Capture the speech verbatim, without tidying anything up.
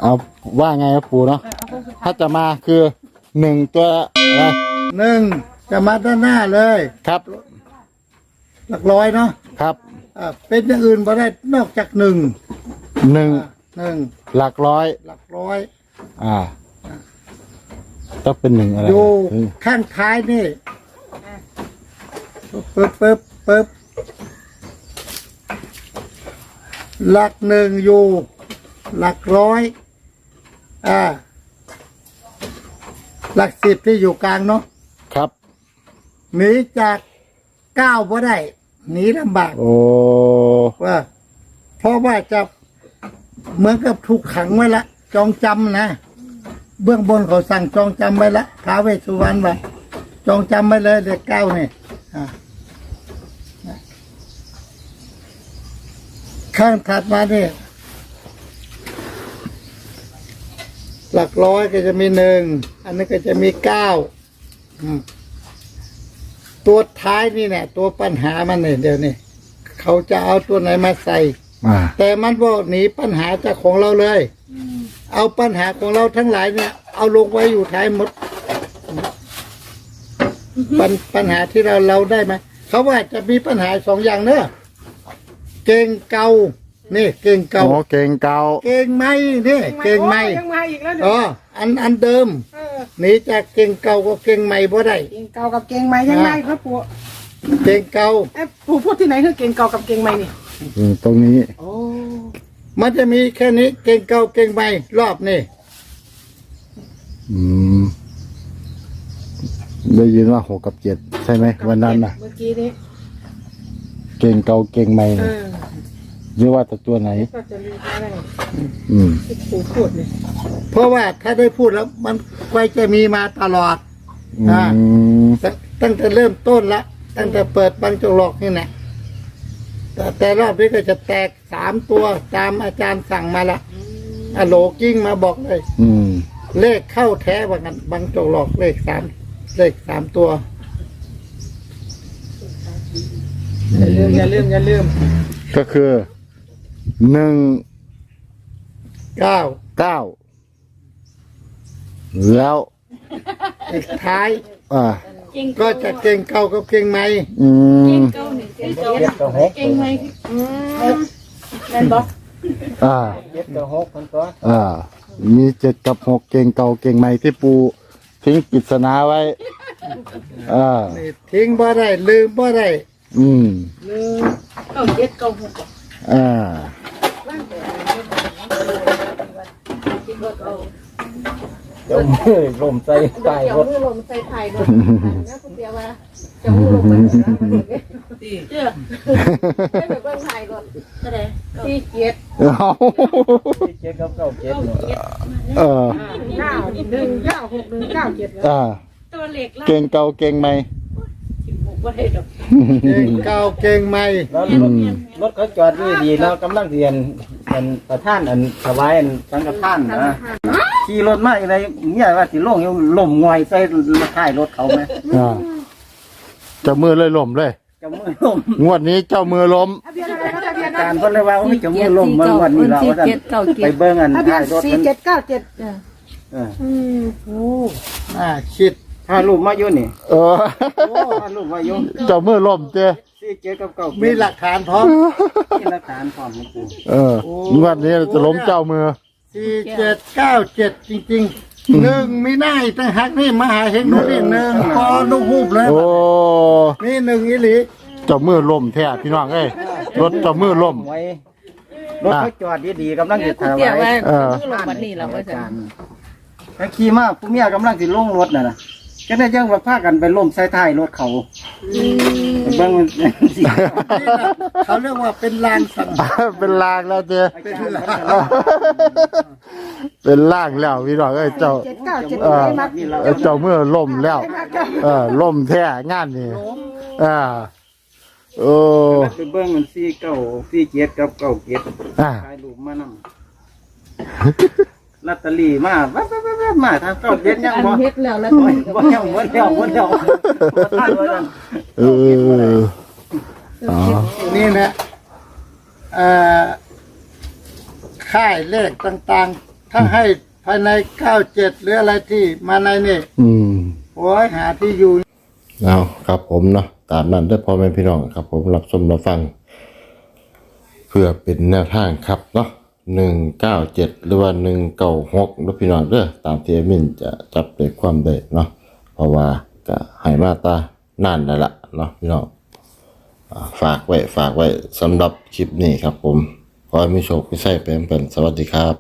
เอาว่าไงครับปู่เนาะถ้าจะมาคือหนึ่งตัวอะไรหนึ่งจะมาด้านหน้าเลยครับหลักร้อยเนาะครับอ่าเป็นอย่างอื่นบ่ได้นอกจากหนึ่งหนึ่งหนึ่งหลักร้อยหลักร้อยอ่าต้องเป็นหนึ่งอะไรอยู่ข้างท้ายนี่ปึ๊บปึ๊บปึ๊บหลักหนึ่งอยู่ หลักร้อยอ่าหลักสิบที่อยู่กลางเนาะครับหนีจากเก้าบ่ได้หนีลำบากโอ้ว่าเพราะว่าจะเหมือนกับถูกขังไว้ละจองจำนะเบื้องบนเขาสั่งจองจำไว้ละท้าวเวสสุวรรณไว้จองจำไว้เลยเด็กเก้าเนี่ยข้างถัดมาเนี่ยหลักร้อยก็จะมีหนึ่งอันนี้ก็จะมีเก้าอืมตัวท้ายนี่เนี่ยตัวปัญหามันเนี่ยเดี๋ยวนี้เขาจะเอาตัวไหนมาใส่อ่าแต่มันบอกหนีปัญหาจากของเราเลย เอาปัญหาของเราทั้งหลายเนี่ย เอาลงไว้อยู่ท้ายหมด ปัญปัญหาที่เราเราได้ไหมเขาว่าจะมีปัญหาสองอย่างเนอะเก่งเก่านี่เก่งเก่าโอ้เก่งเก่าเก่งไหมนี่เก่งไหมยังมาอีกแล้วเดี๋ยวอ๋ออันอันเดิมเออหนีจากเก่งเก่าก็เก่งใหม่บ่ได้เก่งเก่ากับเก่งใหม่ยังไงครับปู่เก่งเก่าเอ๊ะปู่พูดที่ไหนคือเก่งเก่ากับเก่งใหม่นี่อืมตรงนี้โอ้มันจะมีแค่นี้เก่งเก่าเก่งใหม่รอบนี่อืมได้ยินว่าหกกับเจ็ดใช่ไหมวันนั้นน่ะเมื่อกี้นี้เก่งเก่าเก่งใหม่เอน่ะอเรียกว่าแต่ตัวไหนก็จะมีอะไรอืมที่ปู่พูดเนี่ยเพราะว่าถ้าได้พูดแล้วมันไว้จะมีมาตลอดอือ่ามตั้งตั้งแต่เริ่มต้นละตั้งแต่เปิดบังจงหลอกนี่แหละแต่แต่รอบนี้ก็จะแตกสามตัวตามอาจารย์สั่งมาละอะโหลกิ้งมาบอกเลยอืมเลขเข้าแท้ว่ากันบังจงหลอกเลขสามเลขสามตัวอย่าลืมอย่าลืมอย่าลืมก็คือหนึ่งเก้าเก้าแล้วอีกท้ายอ่าก็จะเก่งเก่ากับเก่งใหม่อืมเก้าหนึ่งเก้าเจ็ดเก่งไหมอืมแม่นบอกอ่าเจ็ดกับหกคนตัวอ่า มีเจ็ดกับหกเก่งเก่าเก่งใหม่ที่ปูทิ้งปริศนาไว้ อ่านี่ทิ้งบ่ได้ลืมบ่ได้อืมหนึ่งเก้าเจ็ดเก้าหกอ่าเจ้ามือลมใส่ใต้รถมือลมใส่ไทยรถนะคุณเดียวว่าจะมือลมมันเจ้าให้แบบเบิ้งไทยรถก็ได้ที่เจ็ดเอาเจ็ดกับเก้าเจ็ดเก้าเนาะเจ็ดเออเก้าหนึ่งเก้าหกหนึ่งเก้าเจ็ดอ่าตัวเล็กล่ะเก่งเก่าเก่งใหม่สิบหกว่าได้ดอกเก่งเก่าเก่งใหม่แล้วรถรถเขาจอดดีดีๆเนาะกำลังเรียนเป็นประธานอันถวายอันสังฆทานนะขี่รถมาอะไรเมียว่าสิลงอยู่ล่มงอยใส่ท้ายรถเขาไหมอ่า เจ้ามือเลยล้มเลยเจ้ามือล่มงวดนี้เจ้ามือล้มทะเบียนอะไรนะทะเบียนการเพิ่นเลยว่าโอ้ยเจ้ามือล่มเมื่อวันนี้เราว่าซั่นไปเบิ่งอันทะเบียท้าน ยรถสี่มันเจ็ดเก้าเจ็ดเอออืมโอ้อ่าคิดถ้ารูปมาอยู่นี่เออถ้ารูปมาอยู่เจ้ามือล้มเจ้สี่เจ็ดกับเก้ามีหลักฐานพร้อมมีหลักฐานพร้อมนะปู่เออ งวดนี้จะล้มเจ้ามือสี่เจ็ดเก้าเจ็ดจริงๆหนึ่งไม่ได้ตั้งหักนี่มหาเฮงดูนี่หนึ่งพอลูกหูบเลยโอ้นี่หนึ่งอิหลีเจ้ามือล้มแท้พี่น้องเอ้ยรถเจ้ามือล้มไว้รถเขาจอดดีๆกำลังจะถวายเออลงวันนี้เราก็จะแล้วขี่มาผู้เมียกำลังสิลงรถน่ะนะจะได้ยังว่าพากันไปล่มใส่ท้ายรถเขาไปเบิ่งมันสินี่นะเขาเรียกว่าเป็นลางสังเป็นลางแล้วเจ้เป็นลางเป็นล่างแล้วพี่น้องเอ้ยเจ้าเจ็ดเก้าเจ็ดเออได้มักเออเจ้ามือล่มแล้ว เออล่มแท้งานนี่อ่าโอ้ไปเบิ่งมันสี่เก้าสี่เจ็ดกับเก้าเจ็ดอ่าถ่ายรูปมานำลอตเตอรี่มาแว๊บๆๆมาทางเก้าเจ็ดยังบ่เฮ็ดแล้วแล้วบ่บ่ยังบ่แล้วบ่แล้วบ่ทันว่าซั่นเอออ๋อนี่นะเอ่อค่ายเลขต่างๆถ้าให้ภายในเก้าเจ็ดหรืออะไรที่มาในนี่อืมโอ้ยหาที่อยู่เอาครับผมเนาะตามนั้นเด้อพ่อแม่พี่น้องครับผมรับชมรับฟัง เพื่อเป็นแนวทางครับเนาะหนึ่งเก้าเจ็ดหรือว่าหนึ่งเก้าหกนะพี่น้องเด้อตามที่แอดมินจะจับเป็นความได้เนาะเพราะว่าก็ให้มาตานานแล้วล่ะเนาะพี่น้องอ่าฝากไว้ฝากไว้สำหรับคลิปนี้ครับผมขอให้มีโชคมีชัยเป็นเป็นสวัสดีครับ